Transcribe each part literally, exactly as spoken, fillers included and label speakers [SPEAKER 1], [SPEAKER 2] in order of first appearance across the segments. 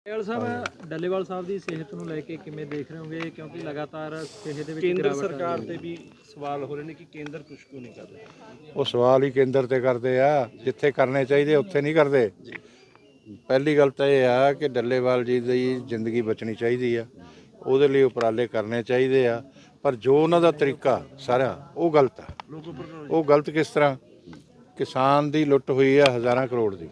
[SPEAKER 1] ਡੱਲੇਵਾਲ ਸਾਹਿਬ ਡੱਲੇਵਾਲ ਸਾਹਿਬ ਦੀ ਸਿਹਤ ਨੂੰ ਲੈ ਕੇ ਕਿਵੇਂ ਦੇਖ ਰਹੇ ਹੋਗੇ, ਕਿਉਂਕਿ ਲਗਾਤਾਰ ਸਿਹਤ ਦੇ ਵਿੱਚ
[SPEAKER 2] ਕੇਂਦਰ ਸਰਕਾਰ ਤੇ ਵੀ ਸਵਾਲ ਹੋ ਰਹੇ ਨੇ ਕਿ ਕੇਂਦਰ ਕੁਛ ਕਿਉਂ ਨਹੀਂ ਕਰ ਰਿਹਾ।
[SPEAKER 3] ਉਹ ਸਵਾਲ ਹੀ ਕੇਂਦਰ ਤੇ ਕਰਦੇ ਆ, ਜਿੱਥੇ ਕਰਨੇ ਚਾਹੀਦੇ ਉੱਥੇ ਨਹੀਂ ਕਰਦੇ। ਪਹਿਲੀ ਗੱਲ ਤਾਂ ਇਹ ਆ ਕਿ ਡੱਲੇਵਾਲ ਜੀ ਦੀ ਜ਼ਿੰਦਗੀ ਬਚਣੀ ਚਾਹੀਦੀ ਆ, ਉਹਦੇ ਲਈ ਉਪਰਾਲੇ ਕਰਨੇ ਚਾਹੀਦੇ ਆ, ਪਰ ਜੋ ਉਹਨਾਂ ਦਾ ਤਰੀਕਾ ਸਾਰਾ ਉਹ ਗਲਤ ਆ। ਉਹ ਗਲਤ ਕਿਸ ਤਰ੍ਹਾਂ? ਕਿਸਾਨ ਦੀ ਲੁੱਟ ਹੋਈ ਆ ਹਜ਼ਾਰਾਂ ਕਰੋੜ ਦੀ,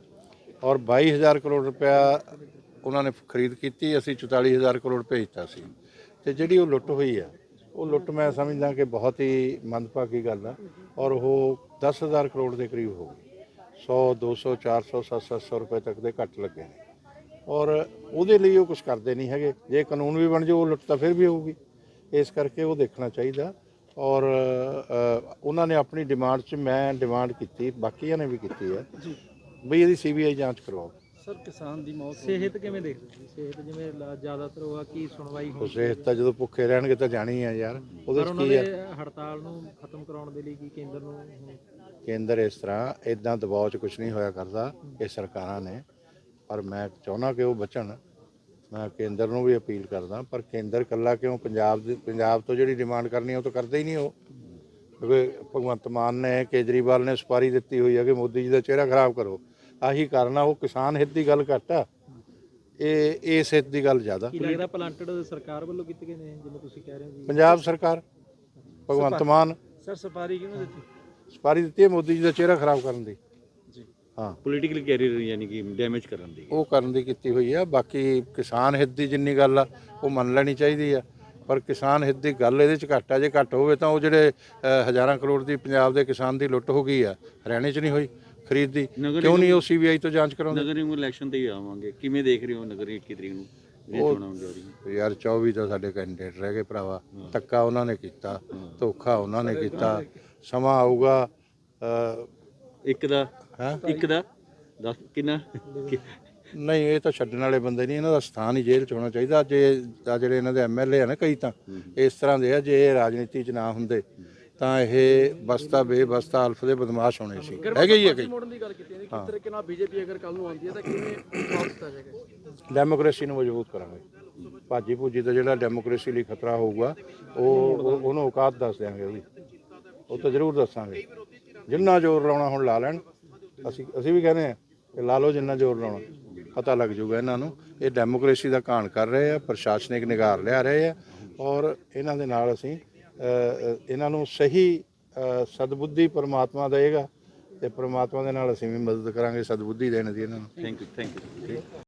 [SPEAKER 3] ਔਰ ਬਾਈ ਹਜ਼ਾਰ ਕਰੋੜ ਰੁਪਇਆ ਉਹਨਾਂ ਨੇ ਖਰੀਦ ਕੀਤੀ, ਅਸੀਂ ਚੁਤਾਲੀ ਹਜ਼ਾਰ ਕਰੋੜ ਭੇਜਤਾ ਸੀ। ਤੇ ਜਿਹੜੀ ਉਹ ਲੁੱਟ ਹੋਈ ਆ, ਉਹ ਲੁੱਟ ਮੈਂ ਸਮਝਦਾ ਕਿ ਬਹੁਤ ਹੀ ਮੰਦਭਾਗੀ ਗੱਲ ਆ, ਔਰ ਉਹ ਦਸ ਹਜ਼ਾਰ ਕਰੋੜ ਦੇ ਕਰੀਬ ਹੋ ਗਈ। ਸੌ ਦੋ ਸੌ ਚਾਰ ਸੌ ਸੱਤ ਸੱਤ ਸੌ ਰੁਪਏ ਤੱਕ ਦੇ ਘੱਟ ਲੱਗੇ ਨੇ, ਔਰ ਉਹਦੇ ਲਈ ਉਹ ਕੁਝ ਕਰਦੇ ਨਹੀਂ ਹੈਗੇ। ਜੇ ਕਾਨੂੰਨ ਵੀ ਬਣ ਜਾਊ ਉਹ ਲੁੱਟ ਤਾਂ ਫਿਰ ਵੀ ਹੋਊਗੀ। ਇਸ ਕਰਕੇ ਉਹ ਦੇਖਣਾ ਚਾਹੀਦਾ। ਔਰ ਉਹਨਾਂ ਨੇ ਆਪਣੀ ਡਿਮਾਂਡ 'ਚ ਮੈਂ ਡਿਮਾਂਡ ਕੀਤੀ, ਬਾਕੀਆਂ ਨੇ ਵੀ ਕੀਤੀ ਹੈ ਬਈ ਇਹਦੀ ਸੀ ਬੀ ਆਈ ਜਾਂਚ ਕਰਵਾਓ।
[SPEAKER 2] ਸਰ ਕਿਸਾਨ ਦੀ ਮੌਤ
[SPEAKER 1] ਸਿਹਤ ਕਿਵੇਂ ਦੇਖਦੇ ਹੋ? ਸਿਹਤ ਜਿਵੇਂ ਲ- ਜ਼ਿਆਦਾਤਰ ਉਹ ਆ ਕੀ ਸੁਣਵਾਈ
[SPEAKER 3] ਉਹ
[SPEAKER 1] ਹੋਈ,
[SPEAKER 3] ਸਿਹਤ ਤਾਂ ਜਦੋਂ ਭੁੱਖੇ ਰਹਿਣਗੇ ਤਾਂ ਜਾਣੀ ਆ ਯਾਰ, ਉਹਦੇ
[SPEAKER 1] ਪਰ
[SPEAKER 3] 'ਚ
[SPEAKER 1] ਉਹਨਾਂ
[SPEAKER 3] ਕੀ ਆ?
[SPEAKER 1] ਦੇ ਹੜਤਾਲ ਨੂੰ ਖਤਮ ਕਰਾਉਣ ਦੇ ਲਈ ਕੀ ਕੇਂਦਰ ਨੂੰ ਹੁਣ
[SPEAKER 3] ਕੇਂਦਰ ਇਸ ਤਰ੍ਹਾਂ ਇਦਾਂ ਦਬਾਅ 'ਚ ਕੁਝ ਨਹੀਂ ਹੋਇਆ ਕਰਦਾ, ਇਹ ਸਰਕਾਰਾਂ ਨੇ। ਪਰ ਮੈਂ ਚਾਹੁੰਦਾ ਕਿ ਉਹ ਬਚਣ। ਮੈਂ ਕੇਂਦਰ ਨੂੰ ਵੀ ਅਪੀਲ ਕਰਦਾ, ਪਰ ਕੇਂਦਰ ਇਕੱਲਾ ਕਿਉਂ? ਪੰਜਾਬ ਦੇ ਪੰਜਾਬ ਤੋਂ ਜਿਹੜੀ ਡਿਮਾਂਡ ਕਰਨੀ ਉਹ ਤਾਂ ਕਰਦੇ ਹੀ ਨਹੀਂ ਉਹ। ਕਿਉਂਕਿ ਭਗਵੰਤ ਮਾਨ ਨੇ, ਕੇਜਰੀਵਾਲ ਨੇ ਸੁਪਾਰੀ ਦਿੱਤੀ ਹੋਈ ਹੈ ਕਿ ਮੋਦੀ ਜੀ ਦਾ ਚਿਹਰਾ ਖਰਾਬ ਕਰੋ। ਆਹੀ ਕਾਰਨ ਆ। ਉਹ ਕਿਸਾਨ ਹਿੱਤ ਦੀ ਗੱਲ ਘੱਟ ਆ, ਇਹ ਇਸ ਹਿੱਤ ਦੀ ਗੱਲ ਜ਼ਿਆਦਾ।
[SPEAKER 1] ਕੀ ਲੱਗਦਾ ਪਲਾਂਟਡ ਸਰਕਾਰ ਵੱਲੋਂ ਕੀਤੇ ਗਏ ਨੇ, ਜਿਵੇਂ ਤੁਸੀਂ ਕਹਿ ਰਹੇ ਹੋ ਜੀ?
[SPEAKER 3] ਪੰਜਾਬ ਸਰਕਾਰ, ਭਗਵੰਤ ਮਾਨ
[SPEAKER 2] ਸਰ ਸਫਾਰੀ ਕਿਉਂ ਦਿੱਤੀ?
[SPEAKER 3] ਸੁਪਾਰੀ ਦਿੱਤੀ ਹੈ ਮੋਦੀ ਜੀ ਦਾ ਚਿਹਰਾ ਖਰਾਬ ਕਰਨ ਦੀ।
[SPEAKER 2] ਜੀ
[SPEAKER 3] ਹਾਂ,
[SPEAKER 2] ਪੋਲੀਟੀਕਲ ਕੈਰੀਅਰ ਯਾਨੀ ਕਿ ਡੈਮੇਜ ਕਰਨ ਦੀ
[SPEAKER 3] ਉਹ ਕਰਨ ਦੀ ਕੀਤੀ ਹੋਈ ਆ। ਬਾਕੀ ਕਿਸਾਨ ਹਿੱਤ ਦੀ ਜਿੰਨੀ ਗੱਲ ਆ ਉਹ ਮੰਨ ਲੈਣੀ ਚਾਹੀਦੀ ਆ, ਪਰ ਕਿਸਾਨ ਹਿੱਤ ਦੀ ਗੱਲ ਇਹਦੇ 'ਚ ਘੱਟ ਆ। ਜੇ ਘੱਟ ਹੋਵੇ ਤਾਂ ਉਹ ਜਿਹੜੇ ਅ, ਹਜ਼ਾਰਾਂ ਕਰੋੜ ਦੀ ਪੰਜਾਬ ਦੇ ਕਿਸਾਨ ਦੀ ਲੁੱਟ ਹੋ ਗਈ ਆ, ਹਰਿਆਣੇ 'ਚ ਨਹੀਂ ਹੋਈ ਖਰੀਦ ਦੀ, ਕਿਉਂ ਨਹੀਂ ਉਹ ਸੀ ਬੀ ਆਈ ਤੋਂ ਜਾਂਚ ਕਰਾਉਂਦੇ?
[SPEAKER 2] ਨਗਰ ਨਿਗਮ ਇਲੈਕਸ਼ਨ ਤੇ ਹੀ ਆਵਾਂਗੇ, ਕਿਵੇਂ ਦੇਖ ਰਹੇ ਹੋ ਨਗਰ ਇੱਕੀ ਤਰੀਕ ਨੂੰ ਇਹ ਚੋਣਾਂ ਹੋਣ ਜਾ ਰਹੀਆਂ?
[SPEAKER 3] ਯਾਰ ਚੌਵੀ ਤਾਂ ਸਾਡੇ ਕੈਂਡੀਡੇਟ ਰਹਿ ਗਏ ਭਰਾਵਾ। ਧੱਕਾ ਉਹਨਾਂ ਨੇ ਕੀਤਾ, ਧੋਖਾ ਉਹਨਾਂ ਨੇ ਕੀਤਾ। ਸਮਾਂ ਆਊਗਾ ਅ,
[SPEAKER 2] ਇੱਕ ਦਾ
[SPEAKER 3] ਹੈਂ?
[SPEAKER 2] ਇੱਕ ਦਾ ਦਸ ਕਿੰਨਾ
[SPEAKER 3] ਨਹੀਂ, ਇਹ ਤਾਂ ਛੱਡਣ ਵਾਲੇ ਬੰਦੇ ਨਹੀਂ, ਇਹਨਾਂ ਦਾ ਸਥਾਨ ਹੀ ਜੇਲ੍ਹ 'ਚ ਹੋਣਾ ਚਾਹੀਦਾ। ਜੇ ਆ ਜਿਹੜੇ ਇਹਨਾਂ ਦੇ ਐਮ ਐਲ ਏ ਆ ਨਾ, ਕਈ ਤਾਂ ਇਸ ਤਰ੍ਹਾਂ ਦੇ ਆ, ਜੇ ਇਹ ਰਾਜਨੀਤੀ 'ਚ ਨਾ ਹੁੰਦੇ ਤਾਂ ਇਹ ਬਸਤਾ ਬੇਬਸਤਾ ਅਲਫ ਦੇ ਬਦਮਾਸ਼ ਹੋਣੇ ਸੀ। ਹੈਗੇ ਹੀ ਹੈ ਕਈ।
[SPEAKER 2] ਮੋੜਨ ਦੀ ਗੱਲ ਕੀਤੀ ਹੈ, ਕਿਸ ਤਰੀਕੇ ਨਾਲ ਬੀਜੇਪੀ ਅਗਰ ਕੱਲ ਨੂੰ ਆਉਂਦੀ ਹੈ ਤਾਂ ਕਿਵੇਂ ਜਵਾਬ ਦਿੱਤਾ ਜਾਏਗਾ?
[SPEAKER 3] ਡੈਮੋਕ੍ਰੇਸੀ ਨੂੰ ਮਜ਼ਬੂਤ ਕਰਾਂਗੇ। ਭਾਜੀ ਭੂਜੀ ਦਾ ਜਿਹੜਾ ਡੈਮੋਕ੍ਰੇਸੀ ਲਈ ਖਤਰਾ ਹੋਊਗਾ ਉਹ ਉਹ- ਉਹਨੂੰ ਔਕਾਤ ਦੱਸ ਦਿਆਂਗੇ ਉਹਦੀ, ਉਹ ਤਾਂ ਜ਼ਰੂਰ ਦੱਸਾਂਗੇ। ਜਿੰਨਾ ਜ਼ੋਰ ਲਾਉਣਾ ਹੁਣ ਲਾ ਲੈਣ। ਅਸੀਂ ਅਸੀਂ ਵੀ ਕਹਿੰਦੇ ਹਾਂ ਕਿ ਲਾ ਲਓ ਜਿੰਨਾ ਜ਼ੋਰ ਲਾਉਣਾ, ਪਤਾ ਲੱਗ ਜਾਊਗਾ ਇਹਨਾਂ ਨੂੰ। ਇਹ ਡੈਮੋਕ੍ਰੇਸੀ ਦਾ ਘਾਣ ਕਰ ਰਹੇ ਆ, ਪ੍ਰਸ਼ਾਸਨਿਕ ਨਿਗਾਰ ਲਿਆ ਰਹੇ ਆ, ਔਰ ਇਹਨਾਂ ਦੇ ਨਾਲ ਅਸੀਂ ਅ, ਇਹਨਾਂ ਨੂੰ ਸਹੀ ਅ, ਸਦਬੁੱਧੀ ਪਰਮਾਤਮਾ ਦੇਗਾ, ਤੇ ਪਰਮਾਤਮਾ ਦੇ ਨਾਲ ਅਸੀਂ ਵੀ ਮਦਦ ਕਰਾਂਗੇ ਸਦਬੁੱਧੀ ਦੇਣ ਦੀ ਇਹਨਾਂ ਨੂੰ।
[SPEAKER 2] Thank you thank you.